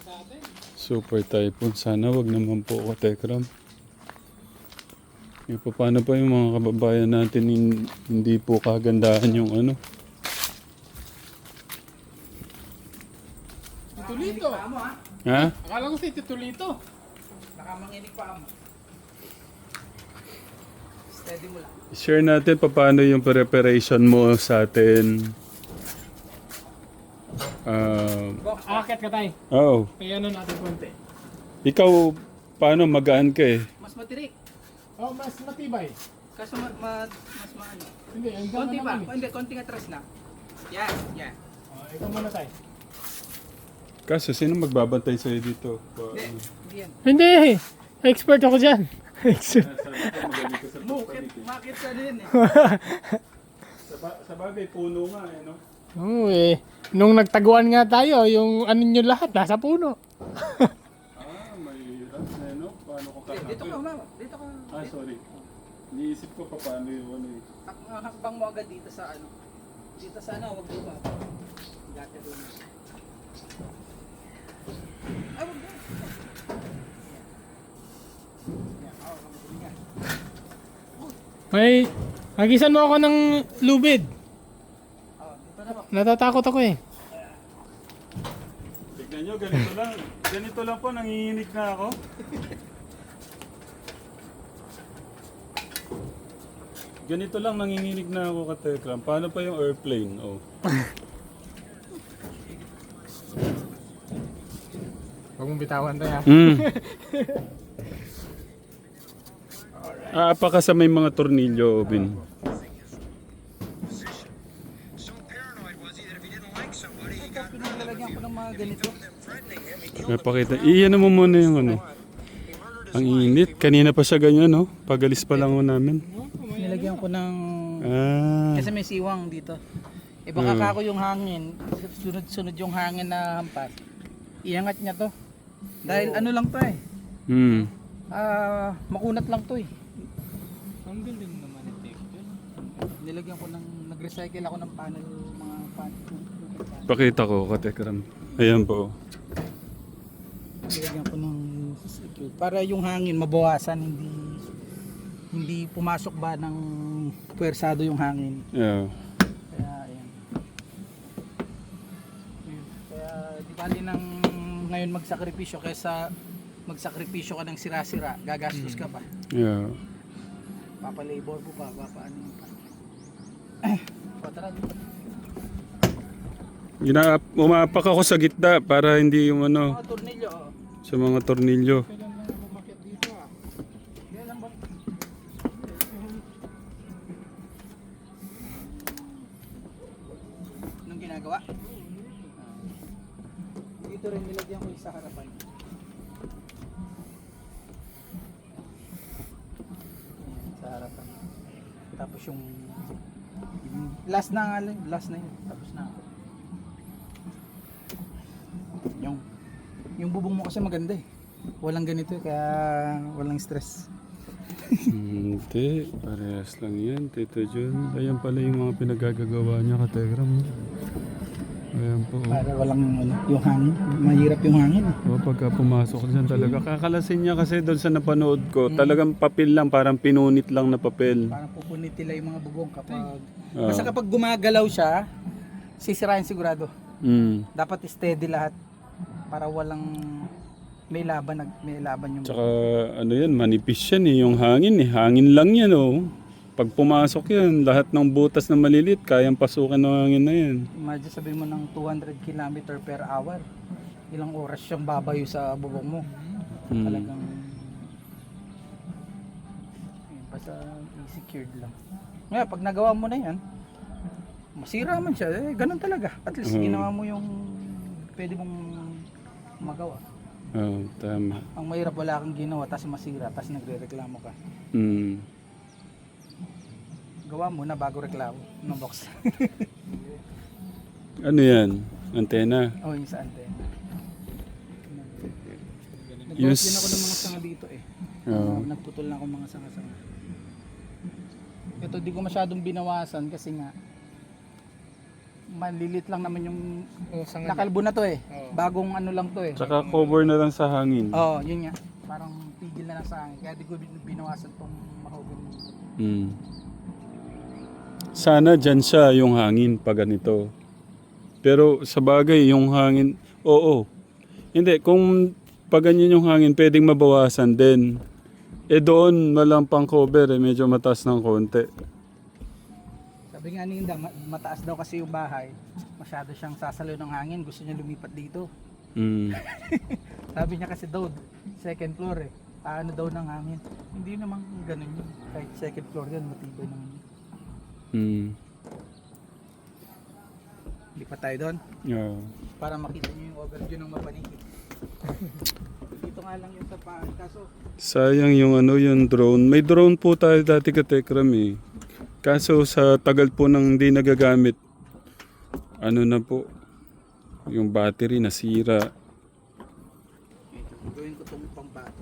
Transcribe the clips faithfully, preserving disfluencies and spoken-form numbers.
Super typhoon. Sana wag naman po ako, Tekram. E, paano pa yung mga kababayan natin hin- hindi po kagandahan yung ano? Titulito. Ha? Akala ko si Titulito. Nakamanginig pa mo. Steady mo lang. Share natin paano yung preparation mo sa atin. Ah, Akit ka tayo. oh, Kaya ano natin konti. ikaw paano magaan ka eh? Mas matirik. Oh, mas matibay. Kaso ma, ma, mas maano. Hindi, ang Konti ganda pa. naman eh. Hindi, konting atras na. Yan, yan. Oh, ikaw muna tayo. Kaso sino magbabantay sa'yo dito? Pa- Hindi, ano? hindi yan. Hindi, expert ako dyan. Expert. Sabi ko magaling ka sa Mukit, pagpalit eh. makit ka din eh. Sa, ba- sa bagay, puno nga eh, no? Oo eh. Nung nagtaguan nga tayo, yung ano nyo lahat, nasa puno. Ah, may rat eh, no? Paano ko Dito dito ka, kakapit? mama. Dito ka. Ah, sorry. Iniisip ko pa paano yung ano eh. Hak- ah, Hakbang mo agad dito sa ano. Dito sa ano, wag dito. Dati doon. Ay, wag doon. Yan, ako, kamagaling yan. May, hagisan mo ako ng lubid. Oh, dito na po. Natatakot ako eh. Tignan nyo, ganito lang. Ganito lang po, nanginginig na ako. Ganito lang, nanginginig na ako, Katekram. Paano pa yung airplane? Oh. Huwag mong bitawan tayo ha. Mm. Ah, pa ka sa may mga tornilyo, Bin. Ito, pinalalagyan ko ng mga ganito. Napakita. Iyan mo muna yung ano. Ang init. Kanina pa siya ganyan, no? Pagalis pa lang ho namin. Nilagyan ko ng... Ah. Kasi may siwang dito. E baka Hmm. kako yung hangin, sunod-sunod yung hangin na hampas. Iangat niya to. Dahil ano lang to eh. Hmm. Ah, makunat lang to eh. Ang galing naman ni Tekram. Nilagyan ko ng nag-recycle ako ng panel, mga panel. Pakita ko, Katekram. Ayan po. Nilagyan ko ng secure para yung hangin mabawasan, hindi hindi pumasok ba ng puwersado yung hangin. Yeah. Kaya ayan. Kaya di bali nang ngayon magsakripisyo kaysa magsakripisyo ka ng sira-sira, gagastos ka pa. Yeah. Papa-labor mo pa, papa-ano mo pa. Patara dito. Gina umapak ako sa gitna para hindi yung ano, Mga tornilyo, oh. sa mga tornilyo. Kailan lang umakit dito ah. Yan lang ba? Anong ginagawa? Dito rin nilagyan ko yung sa harapan. Ayan, sa harapan. Tapos yung yung last na nga lang, last na yun. Tapos na ako. Yung yung bubong mo kasi maganda eh. Walang ganito eh, kaya walang stress. Hindi, parehas lang yan, Tito Jun. Ayan pala yung mga pinagagagawa niya, Katekram. Ayan po. Para walang ano, yung hangin. Mahirap yung hangin. eh. O, pagka pumasok dyan talaga, kakalasin niya kasi doon sa napanood ko, talagang papel lang, parang pinunit lang na papel. Parang pupunit nila yung mga bubong kapag... Ah. Basta kapag gumagalaw siya, sisirain sigurado. Mm. Dapat steady lahat para walang may laban nag may laban yung Tsaka ano yan, manipis yan eh, yung hangin eh. Hangin lang yan oh. Pag pumasok yan, lahat ng butas na malilit, kayang pasukan ng hangin na yan. Imagine sabihin mo ng two hundred kilometer per hour. Ilang oras siyang babayo sa bubong mo. Mm. Talagang Ayun, basta i-secured lang. Ngayon, pag nagawa mo na yan, masira man siya. Eh, ganun talaga. At least Mhm. ginawa mo yung pwede mong magawa. Oo, tama. Ang mahirap wala kang ginawa, tapos masira, tapos nagre-reklamo ka. Mm. Gawa mo na bago reklamo ng box. Ano yan? Antena? O, yung sa antena. Yung Nag-box din ako ng mga sanga dito eh. Oo. Uh, nagputol na ako mga sanga-sanga. Ito di ko masyadong binawasan kasi nga Malilit lang naman yung O, sa nga. nakalbo na to eh. Oo. Bagong ano lang to eh. Tsaka cover na lang sa hangin. Oo, yun nga. Parang pigil na lang sa hangin. Kaya di ko bin- binawasan tong mahogany. Mm. Sana dyan siya yung hangin pag ganito. Pero sa bagay, yung hangin, oo. Hindi, kung pag ganyan yung hangin, pwedeng mabawasan din. Eh doon, walang pang cover eh, medyo mataas ng konti. Sabi nga ni Inda, ma- mataas daw kasi yung bahay. Masyado siyang sasalo ng hangin. Gusto niya lumipat dito. Mm. Sabi niya kasi daw, second floor eh. Paano daw ng hangin? Hindi naman ganun yun. Kahit second floor yan, matibay naman yun. Mm. Lipat tayo doon Yeah. para makita niyo yung overview ng mapanigit. Dito nga lang yung sa paan. Kaso, Sayang yung ano yung drone. May drone po tayo dati ka Tekram eh. Kaso sa tagal po nang hindi nagagamit, ano na po, yung battery nasira. ito, gawin ko itong pambato.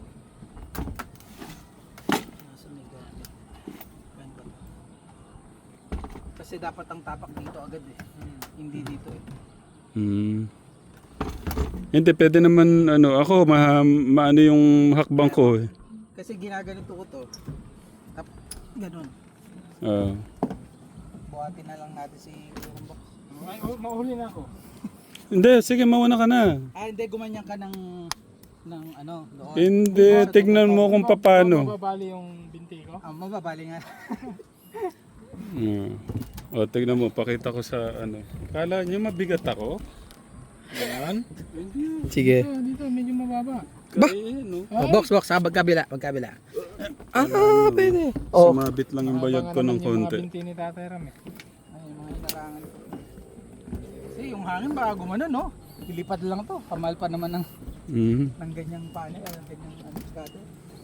Nasa may gamit. Yan ba? Kasi dapat ang tapak dito agad eh. Hindi dito eh. Hmm. Hindi, pwede naman, ano, ako, ma, maano yung hakbang ko eh. Kasi ginaganito ko to. Tap, ganun. Ah. Buhatin na lang natin si Kurumbok. Ay, oh, mahuli na ako. Hindi, sige, mauna ka na. Ah, hindi, gumanyan ka ng, ng ano, doon. Hindi, tignan mo kung paano. Mababali yung binti ko. Ah, mababali nga. Ah. O, tignan mo, pakita ko sa ano. Kala niyo mabigat ako? Yan. Sige. Dito, dito, medyo mababa. Ba? Kaya, no? Oh, box, box, ha, magkabila, magkabila. Ah, pwede. Oh. Oh. Sumabit lang yung bayad ko ng Abangan naman Yung mga konti. binti ni Tatay Ram eh. Ay, mga inarangan ko. Kasi yung hangin baka gumano, no? Ilipad lang to. Kamal pa naman ng, Mhm. ng ganyang paano, ng ganyang ano, skado.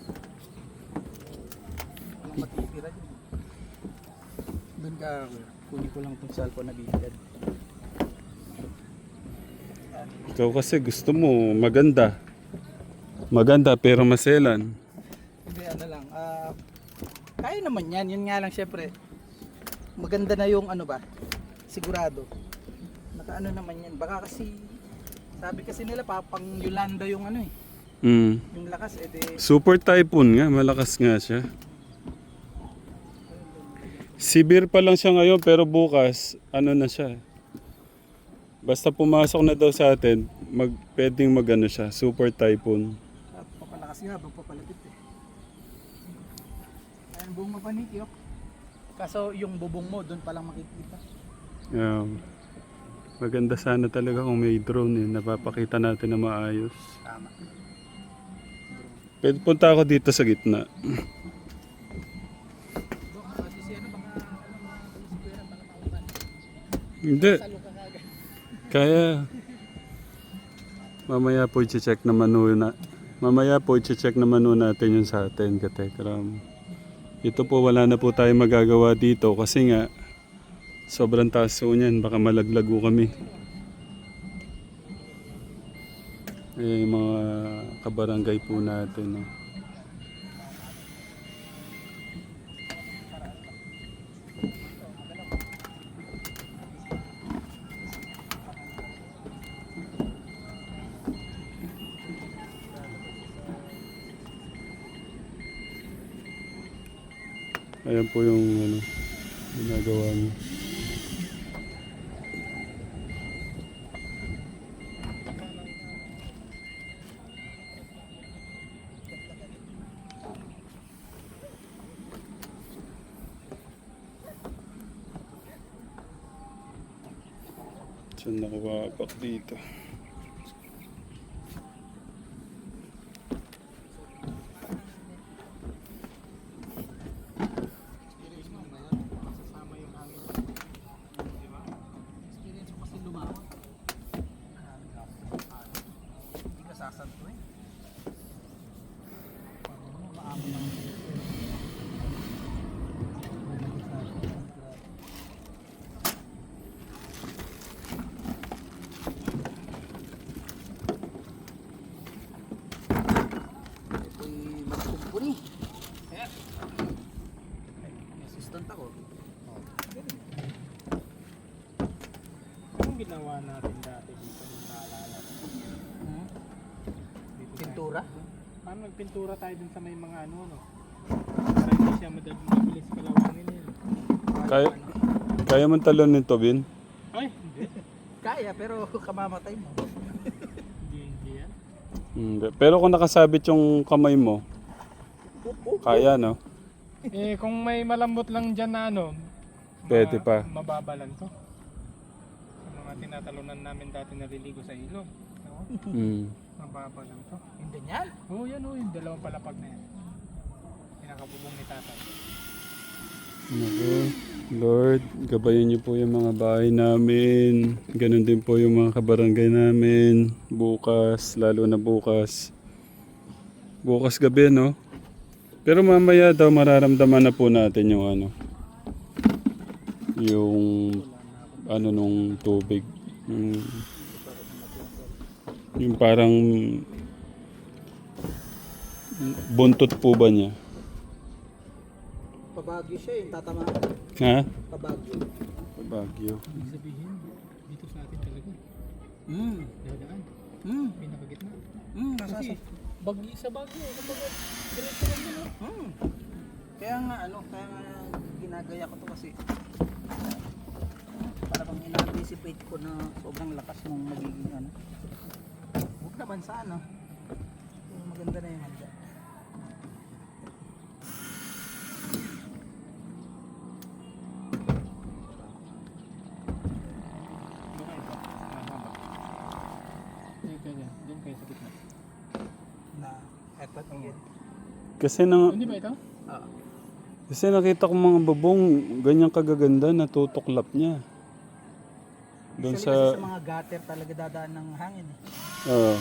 Walang matitira dyan. Doon ka, kunin ko lang itong cellphone na bigyan. Ikaw kasi gusto mo maganda. Maganda pero maselan. Hindi, ano lang. ah kaya naman yan. Yun nga lang syempre. Maganda na yung ano ba. Sigurado. Nakaano naman yan. Baka kasi, sabi kasi nila papang Yolanda yung ano eh. Mm. Yung lakas eh. De, Super typhoon nga, malakas nga siya. Severe pa lang siya ngayon pero bukas, ano na siya. Basta pumasok na daw sa atin, mag, pwedeng magano siya, super typhoon. ah, papalakas nga, habang papalapit eh. Ayan, buong mapaniki oh. Kaso yung bubong mo, doon palang makikita. Yeah. Maganda sana talaga kung may drone eh, napapakita natin na maayos. Tama. Pwede punta ako dito sa gitna. Dok, kasi si ano, baka ano, mga square, baka maulan. Hindi, Salo ka kagad. kaya. Mamaya po i-check naman na. Mamaya po i-check naman natin yun sa atin, Katekram. Ito po wala na po tayo magagawa dito kasi nga sobrang taas po niyan, baka malaglago kami. Eh, yung mga kabarangay po natin. No? Ayan po yung ano, ginagawa niyo. Saan nakawabak dito? Kasama yung hangin. Di ba? Experience ko kasi lumawak. Hindi ka sasanto eh. Parang maamo lang. pintura? Paano nagpintura tayo dun sa may mga ano, no? Para hindi siya madal- mabilis kalawangin yun. Kaya, kaya man talon nito, Bin? Ay, hindi. Kaya, pero kamamatay mo. Hindi, hindi yan. Hindi. Pero kung nakasabit yung kamay mo, kaya, no? Eh, kung may malambot lang dyan na ano, Pwede pa. Mababalan to. Sa mga tinatalunan namin dati naliligo sa ilog. No? Mm. Mababalan to. Hindi yan. Oo, oh, yan oh, yung dalawang palapag na yan. Pinakabubong ni tatay. Naku, Lord, gabayan niyo po yung mga bahay namin. Ganon din po yung mga kabarangay namin. Bukas, lalo na bukas. Bukas gabi, no? Pero mamaya daw mararamdaman na po natin yung ano. Yung ano nung tubig. Yung, yung parang buntot po ba niya? Pabagyo siya eh, tatama. Ha? Pabagyo. Bagyo. Ibig sabihin, dito sa atin talaga. Hmm. Dadaan. Hmm. Pinakagitna. Hmm. Kasi, bagyo sa bagyo. Kumbaga, diretso lang yun. oh. Hmm. Kaya nga ano, kaya nga ginagaya ko to kasi para bang ina-anticipate ko na sobrang lakas nung magiging ano. Huwag naman sana. Pero maganda na yung handa. Baka ito. Mahaba. Eh, ganyan. Diyan kayo sa gitna. Na eto yun. Kasi nang Hindi ba ito? Ah. kasi nakita ko mga babong ganyan kagaganda natutuklap niya. Doon Usually sa kasi sa mga gutter talaga dadaan ng hangin eh. Oo.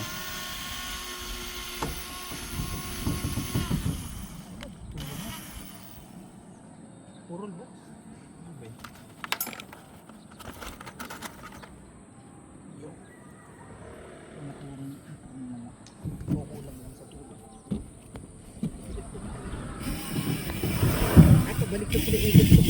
Purol box. Okay. Yo. Nakulang kukulang lang sa tulog. Ako balik ko sila ikot ko.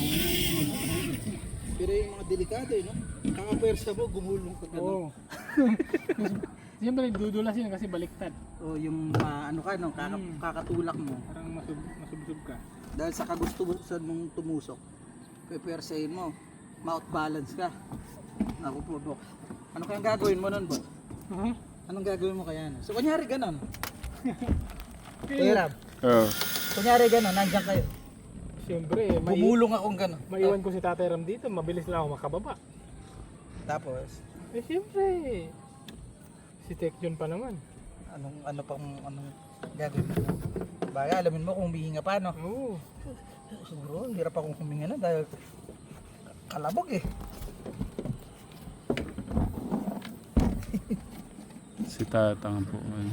Pero yung mga delikado eh, no? Kakapersa mo, gumulong ka gano'n. Oo. Siyempre, dudulasin kasi baliktad. O yung ah, ano ka, no? Kaka, Hmm. kakatulak mo. Parang masub masubsob ka. Dahil sa kagustuhan mong tumusok, pepersahin mo, mouth balance ka. Naku po, Bok. Ano kayang gagawin mo nun, Bok? Uh-huh. Anong gagawin mo kaya? No? So, kunyari ganon. Okay. Kuya Rab, Oo. kunyari ganon, nandiyan kayo. Siyempre, mai Bumulong akong ganon. maiwan ko si Tatay Ram dito, mabilis lang ako makababa. Tapos, Eh, siyempre. Si Tekjon pa naman. anong, ano pang, anong gagawin mo? Baga, alamin mo kung humihinga pa, no? Oo. Siguro, hirap akong huminga na dahil kalabog eh. Si Tatang po. Ano.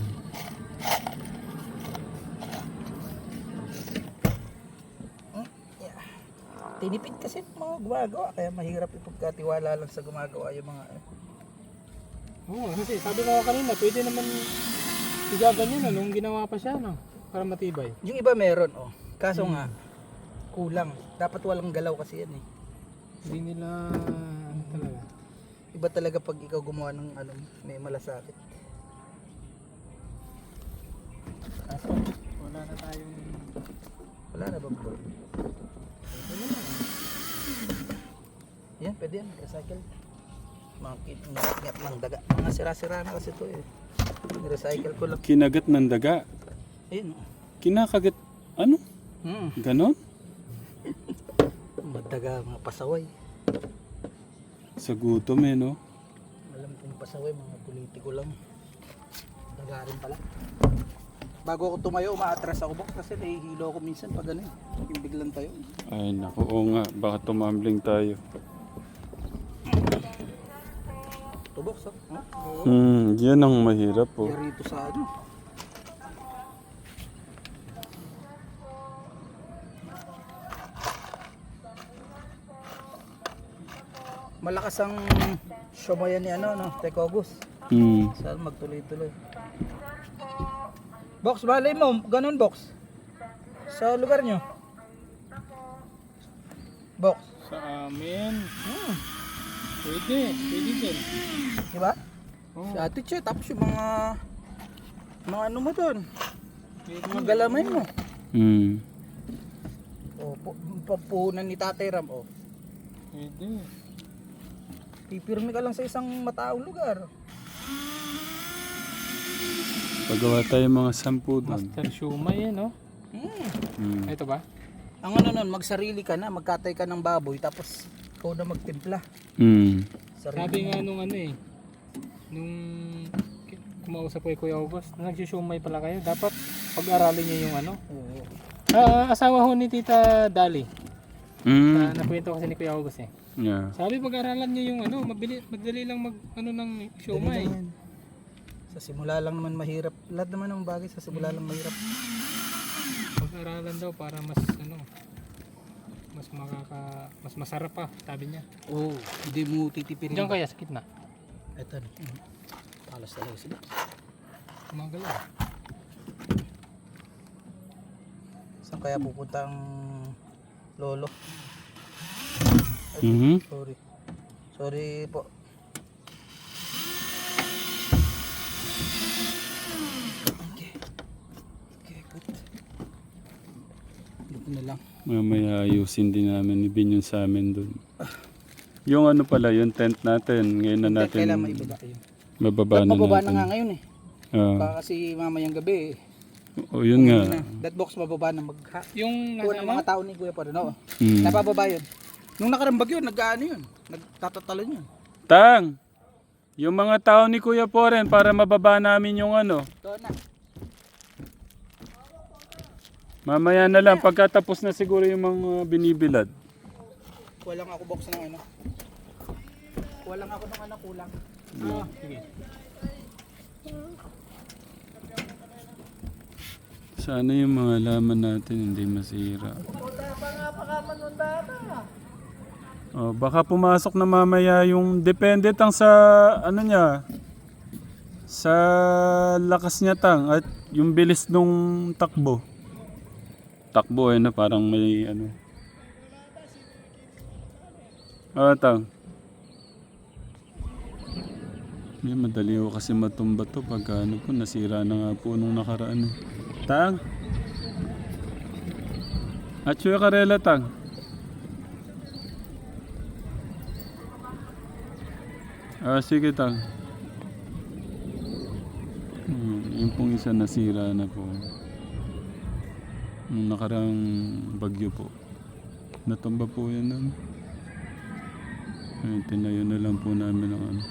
Yeah. Tinipid kasi yung mga gumagawa, kaya mahirap ipagkatiwala lang sa gumagawa yung mga Oo, kasi sabi ko kanina, pwede naman igaganyan na nung ginawa pa siya, no? Para matibay. yung iba meron, oh. Kaso nga, kulang. Dapat walang galaw kasi yan eh. Hindi nila, ano talaga. Iba talaga pag ikaw gumawa ng ano, may malasakit. Kaso, wala na tayong... Wala na bang bro? Wala na. Yan, pwede yan, recycle. Mga kingat ng daga. Mga sira-sira na kasi ito eh. Recycle ko lang. Kinagat ng daga. Ayun, oh. Kinakagat, ano? Hmm. Ganon? Madaga, mga pasaway. Sa gutom eh, no? Alam kong pasaway, mga politiko lang. Daga rin pala. Bago ako tumayo, umaatras ako box kasi nahihilo ako minsan pag ano eh. Yung biglang tayo. Ay, naku, oo nga. Baka tumambling tayo. Ito box, oh. Huh? Hmm, yan ang mahirap po. Yan rito sa ano. Malakas ang shomayan ni ano, no? Tekogus. Hmm. Saan magtuloy-tuloy. Box, balay mo. Ganun, box. Sa lugar nyo. Box. Sa amin, Hmm. pwede, pwede din. Diba? Oo. Si Ate Che, tapos yung mga Mga ano mo doon? Mga galamay mo. Hmm. O, pu- papuhunan ni Tatay Ram, o. Pwede. Pipirmi ka lang sa isang mataong lugar. Pagawa tayo mga sampu doon. Master Shumay yan, no? Hmm. Hmm. Ito ba? Ang ano nun, magsarili ka na, magkatay ka ng baboy, tapos ikaw na magtimpla. Hmm. Sarili Sabi mo. nga nung ano eh, nung ki- kumausap ko kay Kuya August, nagsusumay pala kayo, dapat pag-aralin niyo yung ano. Oo. Ah, asawa ho ni Tita Dali. Hmm. Na nakwento kasi ni Kuya August eh. Yeah. Sabi pag-aralan niyo yung ano, mabili, madali lang mag ano ng siomay. Dali naman. Sa simula lang naman mahirap. Lahat naman ng bagay sa simula lang mahirap. Pag-aralan daw para mas ano, mas makaka mas masarap pa, sabi niya. Oo, hindi mo titipirin. Diyan kaya sa gitna. Ito na. Palas talaga sila. Gumagalaw. Saan kaya pupunta ang lolo? Mhm. Sorry. Sorry po. Okay. Okay, good. Dito na lang. Mamaya ayusin din namin ni Bin yun sa amin doon. Yung ano pala, yung tent natin, ngayon na natin Kailan maibaba yun? mababa na Mababa na natin. nga ngayon eh. Ah. Baka kasi mamayang gabi eh. O yun nga. Na, that box mababa na mag Yung kuha nasa ng ano? mga tao ni Kuya pa rin. Oo. Hmm. Napababa yun. Nung nakarambag yun, nag-ano yun. Nagtatatalon yun. Tang! Yung mga tao ni Kuya Poren para mababa namin yung ano. Doon na. Mamaya na lang, pagkatapos na siguro yung mga binibilad. Kuha lang ako box ng ano. Kuha lang ako ng ano kulang. Ah, sige. Sana yung mga laman natin hindi masira. Oh, baka pumasok na mamaya yung depende tang sa ano niya. Sa lakas niya tang at yung bilis nung takbo. Takbo eh na parang may ano. Ah, tang. Hindi, madali ko kasi matumba to pag ano po, nasira na nga po nung nakaraan. eh. Tang? At yung karela, Tang? Ah, sige, Tang. Hmm, yung pong isa nasira na po. Nung nakarang bagyo po. Natumba po yan nun. Ay, tinayo na lang po namin ang ano.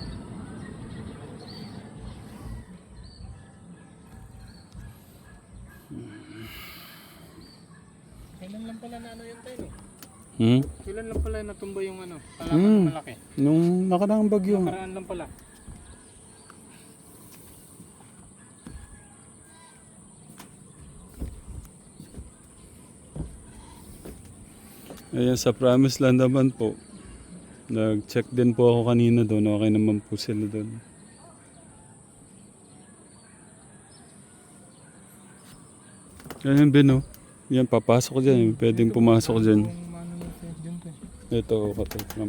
Kailan lang pala na ano yun tayo eh? Hmm? Kailan lang pala natumba yung ano? Palaman Hmm. malaki. Nung nakarang bagyo. Nakaraan lang pala. Ayan, sa Promise Land naman po. Nag-check din po ako kanina doon. Okay naman po sila doon. Ayan, Ben, oh. Yan, papasok dyan. Pwedeng pumasok dyan. Kung ano yung fence dyan to eh. Ito, katekram.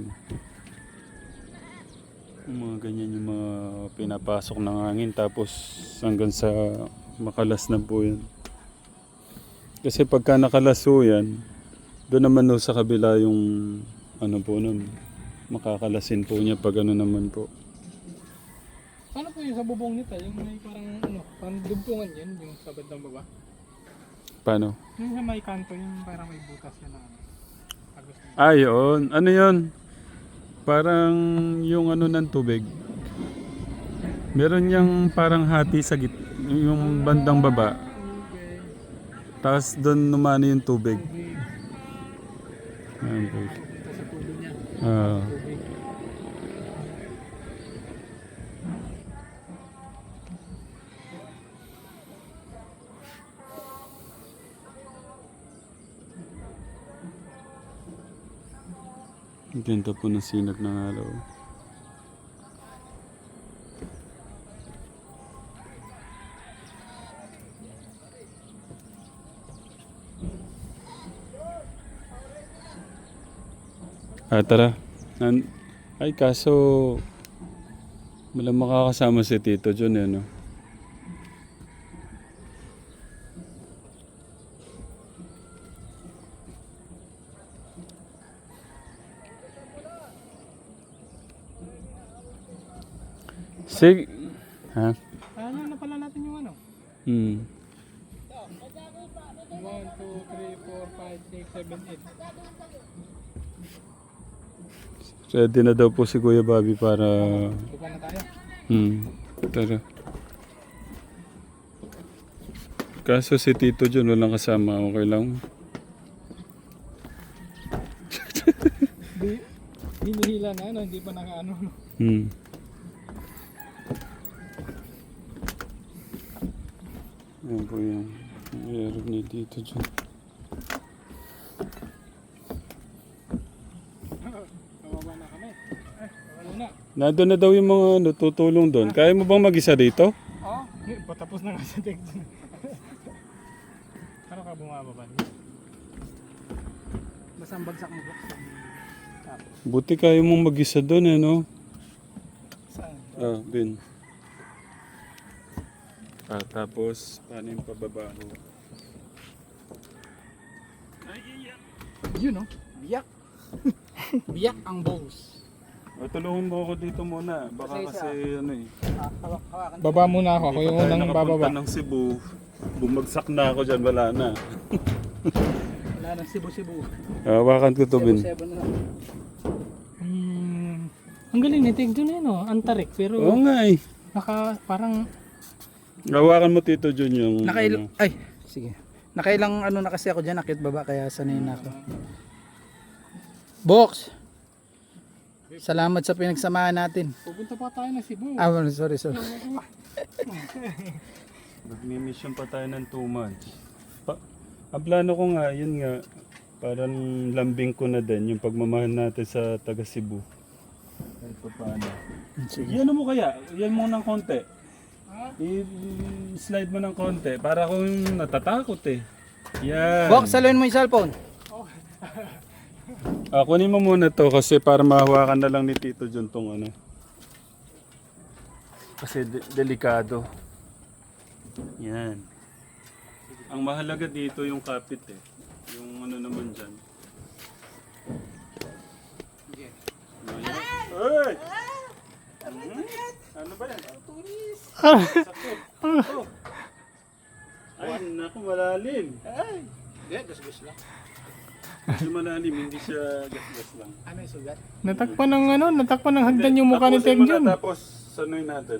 Yung mga ganyan yung mga pinapasok ng hangin. Tapos hanggang sa makalas na po yan. Kasi pagka nakalas po yan, doon naman no, sa kabila yung ano po nun. Makakalasin po niya pag ano naman po. Paano po yung sa bubong nito? Yung may parang ano, parang dugtungan yan, yung sa bandang baba. Paano? Yung sa may kanto, yung parang may butas yan na ano. Agos na. Ah, yun. Ano yun? Parang yung ano ng tubig. Meron niyang parang hati sa git, yung bandang baba. Okay. Tapos doon numano yung tubig. Tubig. Ayan po. Ito sa tulo niya. Ah. Tubig. Ang ganda po ng sinag ng araw. Ah, tara. Nan Ay, kaso wala makakasama si Tito John, eh, no? Sige. Ha? Ano na pala natin yung ano? Hmm. one, two, three, four, five, six, seven, eight. Ready na daw po si Kuya Bobby para... Buka na tayo. Hmm. Tara. Kaso si Tito John walang kasama. Okay lang. Di, hinihila na ano, hindi pa nakaano. No? Hmm. Ayan po yung meron ni Tito John. Kawawa na kami. Eh, wala na. Nandun na daw yung mga natutulong doon. Kaya mo bang mag-isa dito? Oo. Oh, patapos na nga sa text. Ano ka bumababa niya? Basta ang bagsak mo box. Buti kaya mong mag-isa doon eh, no? Saan? Ah, bin. Ah, tapos, paano yung pababa mo? Yun no? Biyak. Biyak ang balls. O, tulungan mo ako dito muna. Baka Kasi kasi, ano eh. Ah, hawak, hawakan. Baba muna ako. Ako Hindi yung pa tayo unang nakapunta bababa. ng Cebu. Bumagsak na ako dyan, wala na. Wala nang sibu-sibu. Hawakan ko to, bin. Seven na lang. Hmm. Ang galing ni Tig Jun eh, no? Antarik. Pero Oo nga eh. naka, parang Hawakan mo, Tito John, yung... Nakail... ano. Ay, sige. Nakailang ano na kasi ako dyan, nakit baba, kaya sanay na ako. Box! Salamat sa pinagsamahan natin. pupunta pa tayo na Cebu. Ah, well, sorry, sorry. Nagmi-mission pa tayo ng two months. Pa ang plano ko nga, yun nga, parang lambing ko na din yung pagmamahal natin sa taga Cebu. Kahit pa paano. Sige. Yan mo kaya, yan mo ng konti. I-slide mo ng konti para akong natatakot eh. Yan. Box, saluhin mo yung cellphone. Ah, kunin mo muna to kasi para mahawakan na lang ni Tito John tong ano. Kasi de- delikado. Yan. Ang mahalaga dito yung kapit eh. Yung ano naman dyan. Hey! Hmm? Ano ba yan? Sakit. Oh. Ay, naku, malalim. Ay, hindi, gus-gus lang. Medyo malalim, hindi siya gas-gas lang. Ano yung sugat? Natakpan ng ano, natakpan ng hagdan yung mukha ni Tapusin Tig mo na, Jun. Tapos, sanoy natin.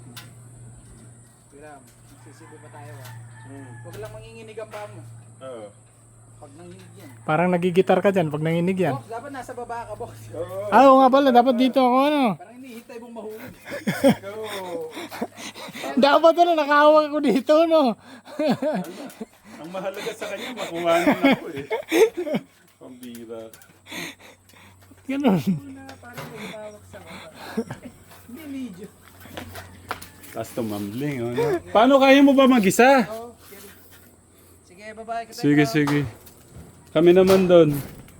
Wala, magsisibo pa tayo ha. Hmm. Huwag lang manginginig ang paa mo. Oo. Pag nanginig yan. Parang nagigitar ka dyan pag nanginig yan. Box, dapat nasa baba ka, box. Oo. Ah, oo nga pala, dapat dito ako ano. Parang hinihintay mong mahulog. Oo. Dapat ano, nakahawak ako dito, no? Ang mahalaga sa kanya, makuha na ako eh. Pambira. Ganun. Parang may tawag sa baba. Hindi, medyo. Tapos tumambling. Oh, no? Paano kaya mo ba mag-isa? Oh, sige, babae ka tayo. Sige, sige. Kami naman doon.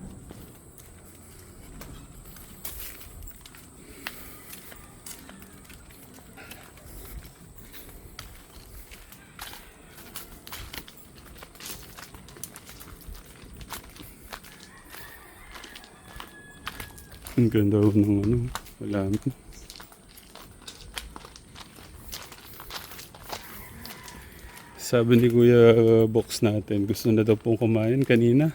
Ang ganda ho ng ano. Wala na. Sabi ni Kuya uh, Box natin, gusto na daw pong kumain kanina.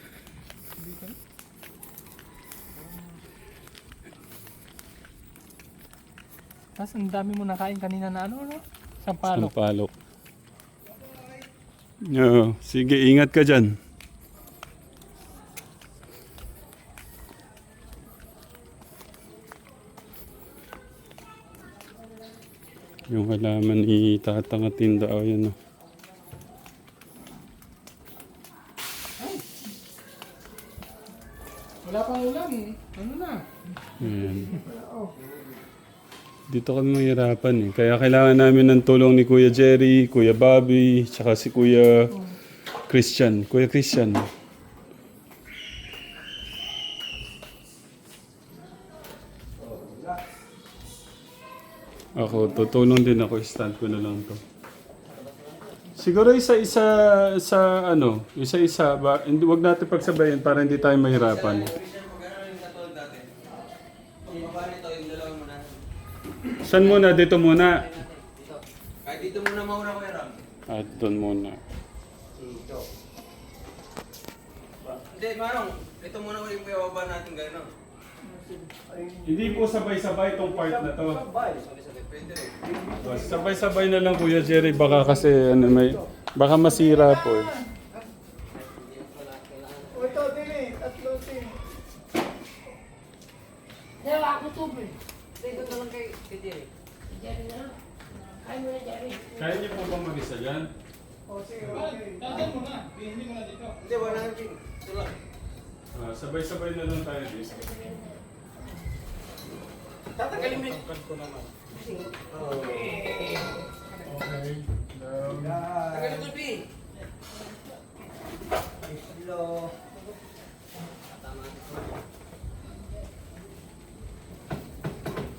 Tapos ang dami mo nakain kanina na ano, no? Sampalok. Sampalok. Oo, sige, ingat ka dyan. Yung halaman itatangatin daw yun. Oh. Wala pang ulam. Ano na? Ayan. Dito kami mahirapan eh. Kaya kailangan namin ng tulong ni Kuya Jerry, Kuya Bobby, tsaka si Kuya Christian. Kuya Christian. Ako, tutulong din ako. Stand ko na lang to. Siguro isa-isa sa ano, isa-isa ba, hindi wag natin pagsabayin para hindi tayo mahirapan. Saan muna? Dito muna. Kahit dito muna mauna ko Ram. At doon muna. Dito. Hindi, Manong. Ito muna ko yung piyababa natin gano'n. Hindi po sabay-sabay itong part na to. Sabay-sabay. Pwede rin. Oh, sabay-sabay na lang Kuya Jerry. Baka kasi ano, may... Baka masira po eh. O ito, dili. Tatlo, sin. Dalawa ako tubig. Dito na lang kay kay Jerry. Jerry na. Kaya mo na, Jerry. Kaya niyo po ba mag-isa dyan? O sige, okay. Dadaan mo na. Hindi mo na dito. Hindi, wala nang pin. Ito lang. Ah, sabay-sabay na lang tayo dito. Tatagalin mo yun. Pagkat ko naman. Okay. Tagalin mo pin. Hello. Tama.